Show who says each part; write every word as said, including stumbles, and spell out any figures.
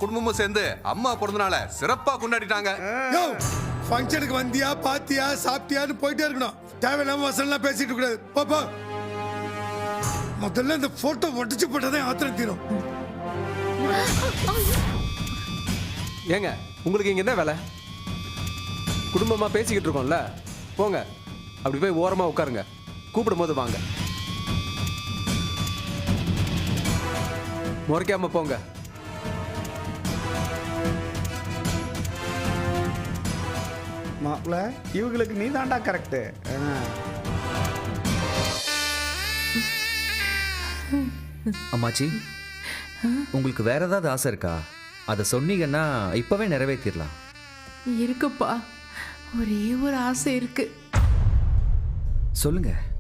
Speaker 1: குடும்பமும் சேர்ந்து அம்மா பிறந்தனால சிறப்பா கொண்டாடிட்டாங்க.
Speaker 2: ஃபங்க்ஷனுக்கு வந்தியா பாத்தியா சாப்பிட்டியான்னு போயிட்டே இருக்கணும். தேவையில்லாம வசனம்லாம் பேசிட்டு கூடாது. பாப்பா முதல்ல இந்த போட்டோ ஒட்டிச்சு போட்டதே ஆத்திரம் தீரும்.
Speaker 3: ஏங்க உங்களுக்கு இங்க என்ன வேலை? குடும்பமா பேசிக்கிட்டு இருக்கோம்ல, போங்க அப்படி போய் ஓரமா உட்காருங்க. கூப்பிடும் போது வாங்க, முறைக்காம போங்க.
Speaker 4: மாப்பிள்ள இவங்களுக்கு நீ தாண்டா கரெக்டு.
Speaker 5: அம்மாச்சி, உங்களுக்கு வேற ஏதாவது ஆசை இருக்கா? அதை சொன்னீங்கன்னா இப்பவே நிறைவேற்றிடலாம்.
Speaker 6: இருக்குப்பா, ஒரே ஒரு ஆசை இருக்கு.
Speaker 5: சொல்லுங்க.